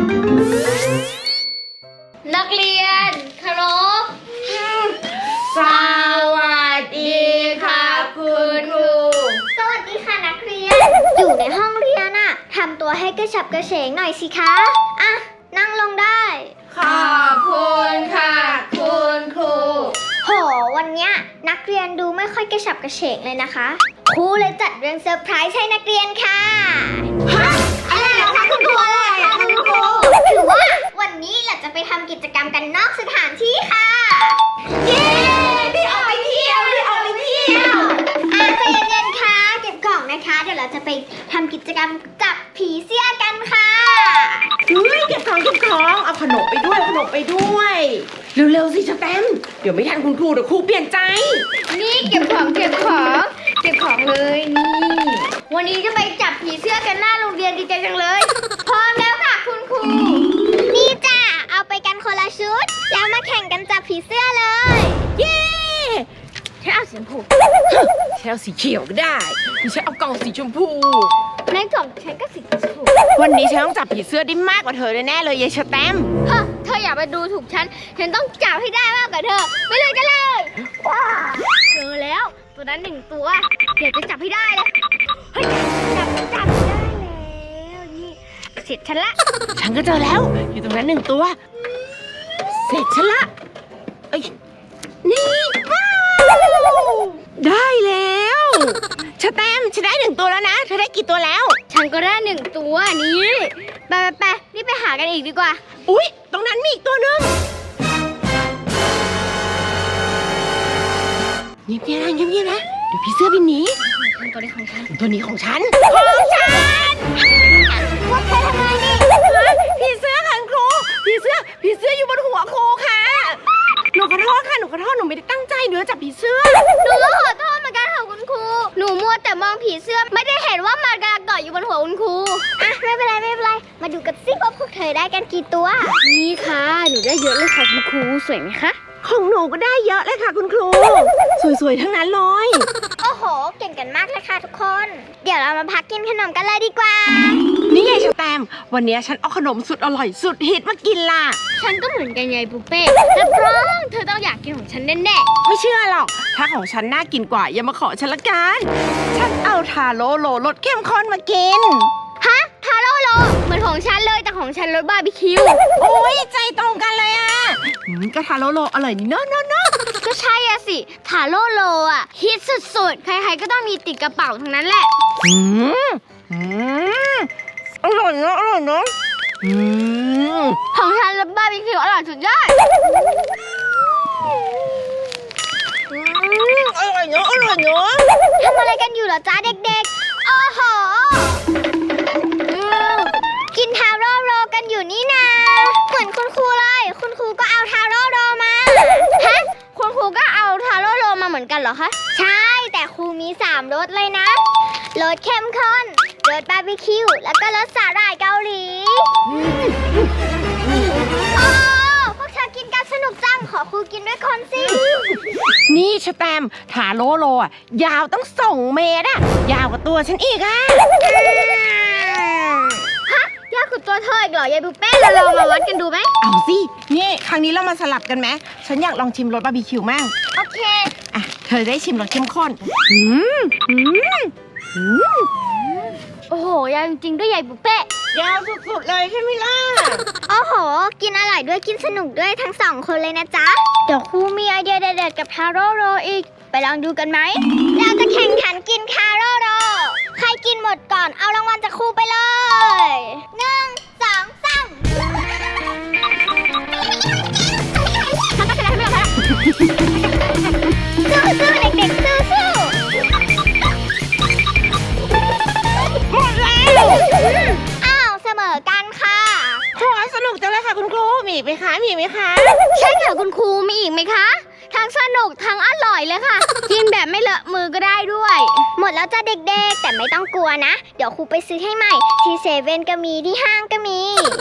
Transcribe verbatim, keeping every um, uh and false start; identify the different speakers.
Speaker 1: นักเรียนเคารพ
Speaker 2: สวัสดีค่ะคุณครู
Speaker 3: สวัสดีค่ะนักเรียนอยู่ในห้องเรียนอะทำตัวให้กระฉับกระเฉงหน่อยสิคะอ่ะนั่งลงได้
Speaker 2: ขอบคุณค่ะคุณครู
Speaker 3: โหวันเนี้ยนักเรียนดูไม่ค่อยกระฉับกระเฉงเลยนะคะครูเลยจัดเรื่องเซอร์ไพรส์ให้นักเรียนค่ะ
Speaker 2: ฮะอะไรเหรอคะคุณครูอะไรอะคะคุณครู
Speaker 3: ถือว่าวันนี้เราจะไปทำกิจกรรมกันนอกสถานที่ค่ะ
Speaker 2: เย้ได้ออกไปเที่ยวได้ออกไปเที่ยว
Speaker 3: อ่ะใจเย็นๆค่ะเก็บกล่องนะคะเดี๋ยวเราจะไปทำกิจกรรมจับผีเสื้อกันค่ะ
Speaker 2: เฮ้ยเก็บของเก็บของเอาขนมไปด้วยขนมไปด้วยเร็วๆสิสแตมป์เดี๋ยวไม่ทันคุณครูเดี๋ยวครูเปลี่ยนใจ
Speaker 1: นี่เก็บของเก็บของเก็บของเลยนี่วันนี้จะไปจับผีเสื้อกันหน้าโรงเรียนดีใจจังเลยพร้อมแล้วค่ะคุณครู
Speaker 3: นี่จ้ะเอาไปกันคนละชุดแล้วมาแข่งกันจับผีเสื้อเลย
Speaker 2: เย้
Speaker 1: ฉันเอาสีชมพู
Speaker 2: ฉันเอาสีเขียวก็ได้ดิฉันเอากล่องสีชมพู
Speaker 1: ในกล่องฉันก็สีชมพู
Speaker 2: วันนี้ฉันต้องจับผีเสื้อได้มากกว่าเธอแน่ๆเลยยายสแตมป์
Speaker 1: เฮ้เธออย่ามาดูถูกฉันฉันต้องจับให้ได้มากกว่าเธอไปเลยกันเลยเจอแล้วตัวนั้นหนึ่งตัวเดี๋ยวจะจับให้ได้เลยเฮ้ยจับจับได้แล้วนี่เสร็จฉันละ
Speaker 2: ฉันก็เจอแล้วอยู่ตรงนั้นหนึ่งตัวเสร็จฉันละเอ้ยนี่ว้าวได้แล้วสแตมป์ฉันได้หนึ่งตัวแล้วนะเธอได้กี่ตัวแล้ว
Speaker 1: ฉันก็ได้หนึ่งตัวนี้ไปไปไปรีบไปหากันอีกดีกว่า
Speaker 2: อุ๊ยตรงนั้นมีอีกตัวนึงเงียบๆนะเงียบๆนะเดี๋ยวพี่เสื้อบินหนี
Speaker 1: ตัวนี้ของฉัน
Speaker 2: ตัวนี้ของฉันของฉัน
Speaker 3: พวกเธอทำไงนี่
Speaker 2: พี่เสื้อค่ะครูพี่เสื้อพี่เสื้ออยู่บนหัวครูค่ะหนูขอโทษค่ะหนูขอโทษหนูไม่ได้ตั้งใจเนื้อจับผีเสื้อ
Speaker 1: หนูก็ขอโทษเหมือนกันค่ะคุณครูหนูมัวแต่มองผีเสื้อไม่ได้เห็นว่ามันกำลังเกาะอยู่บนหัวคุณครู
Speaker 3: อ่ะไม่เป็นไรไม่เป็นไรมาดูกันสิว่าพวกเธอได้กันกี่ตัว
Speaker 1: นี่ค่ะหนูได้เยอะเลยค่ะคุณครูสวยไหมคะ
Speaker 2: ของหนูก็ได้เยอะเลยค่ะคุณครูสวยๆทั้งนั้นเลย
Speaker 3: โอ้โหเก่งกันมากเลยค่ะทุกคนเดี๋ยวเรามาพักกินขนมกันเลยดีกว่า
Speaker 2: นี่ไงชแตมป์วันนี้ฉันเอาขนมสุดอร่อยสุดฮิตมากินล่ะ
Speaker 1: ฉันก็เหมือนกันไงปุ๊เป้รับรองเธอต้องอยากกินของฉันแน่
Speaker 2: ๆไม่เชื่อหรอกถ้าของฉันน่ากินกว่าอย่ามาขอฉันละกันฉันเอาทาโร่โลรสเข้มข้นมากิน
Speaker 1: ฮะทาโร่โลเหมือนของฉันเลยแต่ของฉันรสบาร์บีคิว
Speaker 2: โอ้ยใจตรงกันเลยอ่ะก็ทาโร่โลอร่อยนี่เนาะเนาะเนาะ
Speaker 1: ก็ใช่อะสิทาโร่โลอ่ะฮิตสุดๆใครๆก็ต้องมีติดกระเป๋าทั้งนั้นแหละ
Speaker 2: อืมอืมอร่อยเนาะอร่อยเนาะอื
Speaker 1: มของฉันรสบาร์บีคิวอร่อยสุดยอด
Speaker 2: อร่อยเนาะอร่อยเนาะ
Speaker 3: ทำอะไรกันอยู่เหรอจ๊ะเด็กๆโอ้โหกินทาโร่โรกันอยู่นี่นะเหมือนคุณครูเลยคุณครูก็เอาทาโร่โรมา
Speaker 1: ฮะคุณครูก็เอาทาโร่โรมาเหมือนกันเหรอคะ
Speaker 3: ใช่แต่ครูมีสามรสเลยนะรสเข้มข้นรสบาร์บีคิวแล้วก็รสสาหร่ายเกาหลีโอ้พวกเธอกินกันสนุกจังขอครูกินด้วยคนสิ
Speaker 2: นี่ชแตมป์ทาโร่โรอ่ะยาวตั้งสองเมตรอ่ะยาวกว่าตัวฉันอีกอ่ะ
Speaker 1: ยากกว่าตัวเธออีกเหรอยายปุ๊เป้เราลองมาวัดกันดูไหม
Speaker 2: เอาสินี่ครั้งนี้เรามาสลับกันไหมฉันอยากลองชิมรสบาร์บีคิวมั่ง
Speaker 1: โอเค
Speaker 2: อ่ะเธอได้ชิมรสเข้มข้นอืมอืมอืม
Speaker 1: โอ้โหยาวจริงๆด้วยยายปุ๊เป้
Speaker 2: ยาวสุดๆเลยใช่ไหมล่ะ
Speaker 3: โอ้โหกินอร่อยด้วยกินสนุกด้วยทั้งสองคนเลยนะจ๊ะเดี๋ยวครูมีไอเดียเด็ดๆกับทาโร่โรอีกไปลองดูกันไหมเราจะแข่งขันกินทาโร่โรใครกินหมดก่อนเอารางวัลจากครูไปเลยหนึ่งสองสาม
Speaker 1: ฉันก็ชนะไม่หรอกนะ
Speaker 3: สู้ๆเด็กๆสู้ๆ
Speaker 2: หมดแล้ว
Speaker 3: อ้าวเสมอกันค่ะ
Speaker 2: โอ้สนุกจังเลยค่ะคุณครูมีไหมคะมีไหมคะ
Speaker 1: ใช่ค่ะคุณครูมีอีกไหมคะทั้งสนุกทั้งอร่อยเลยค่ะกินแบบไม่เลอะมือก็ได้ด้วย
Speaker 3: หมดแล้วจ้ะเด็กๆแต่ไม่ต้องกลัวนะเดี๋ยวครูไปซื้อให้ใหม่ที่เซเว่นก็มีที่ห้างก็มี